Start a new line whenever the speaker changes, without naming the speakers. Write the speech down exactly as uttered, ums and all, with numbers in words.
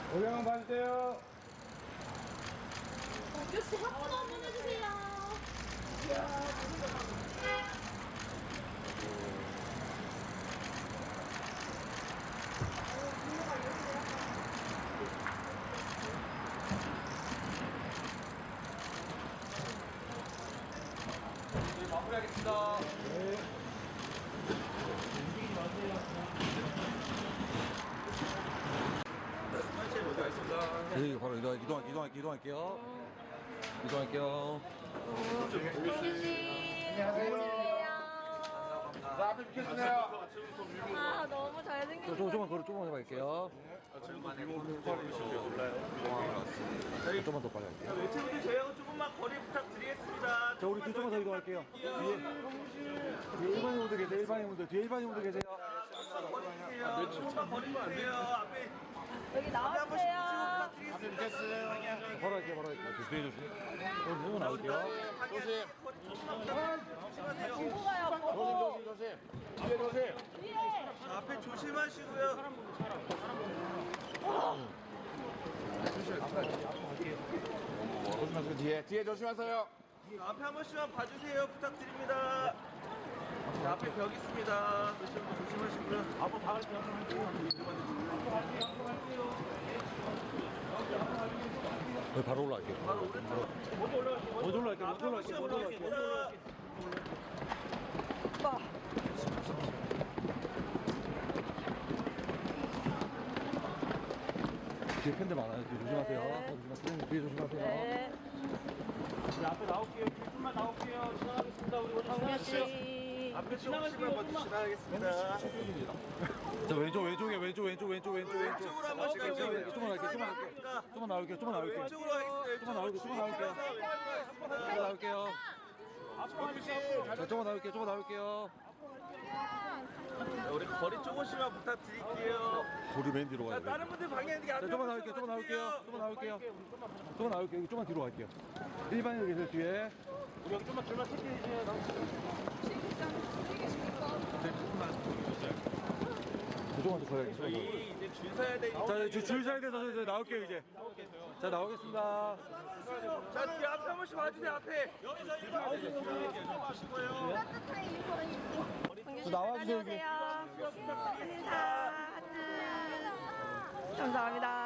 오경환 봐주세요.
역시 합주 한번 해주세요.
네, 마무리하겠습니다.
네. 움직이지 마세요.
한시에 모두 있습니다.
네, 바로 이동, 이동, 이동, 이동할게요. 이동할게요.
동규 씨.
안녕하세요. 자, 앞에 비켜주세요.
아 너무
저,
잘생겼어요.
저, 조금만 걸어, 조금만 해볼게요. 조금만 더 빨리 할게요.
외채분들 저희하고 조금만 거리 부탁드리겠습니다.
자, 우리 뒤쪽만 더 이동할게요. 뒤에, 뒤에 일반인 분들 계세요, 일반인 분들. 뒤에 일반인 분들 계세요.
조금만 거리 주세요. 앞에
여기 나와주세요.
앞에 비켜주세요.
바로 할게요, 바로 할게요. 조심해, 조심. 오늘 조금 나올게요.
조심.
조심하세요.
보고 가요. 보고.
조심, 조심. 뒤에 조심.
위에.
앞에 조심하시고요.
조심하세요. 뒤에. 뒤에 조심하세요.
앞에 한 번씩만 봐주세요. 부탁드립니다. 자, 앞에 벽 있습니다. 조심, 조심하시고요. 앞으로 다 갈게요.
네, 바로 올라갈게요.
바로 오른쪽.
먼저 올라갈게요, 먼저 올라갈게요,
앞에 한 번씩
먼저 올라갈게요.
올라가겠습니다.
뒤에 팬들 많아요. 뒤에 조심하세요. 조심하세요. 뒤에 조심하세요.
네.
네, 앞에 나올게요. 조금만 나올게요. 지나가겠습니다. 우리 오늘
동규
지나가시죠.
씨.
앞에 조금씩만 먼저 지나가겠습니다.
자, 왼쪽, 왼쪽에, 왼쪽, 왼쪽, 왼쪽, 왼쪽, 왼쪽.
왼쪽으로 한 번씩 갈게요.
조금만 할게요, 조금만 할게요. 조금만 나올게요, 조금만 나올게요.
왼쪽으로 하겠습니다.
조금만 나올게요, 조금만 나올게요. 조금만 나올게요. 자, 조금만 나올게요, 조금만 나올게요.
우리 거리 조금씩만 부탁드릴게요.
우리 맨 뒤로
자,
가야
다른
돼.
분들 방해 이게
자,
앞에
조금만 나올게요, 조금만 나올게요. 조금만 나올게요. 조금만 나올게요. 조금만 뒤로 갈게요. 일반인들 계세요, 뒤에.
우리 여기 좀만 줄만 체크해 주세요.
조금만 더 걸어야겠어요.
저희 이제 줄 서야 되니까.
자, 이제 줄 서야 돼서 이제 나올게요, 이제. 자, 나오겠습니다.
자, 뒤에 앞에 한 번씩 봐주세요. 앞에. 여기서 일반 하시고요.
따뜻한 일본 입고.
저 나와주세요, 여기.
안녕하세요. 인사. 하트. 감사합니다.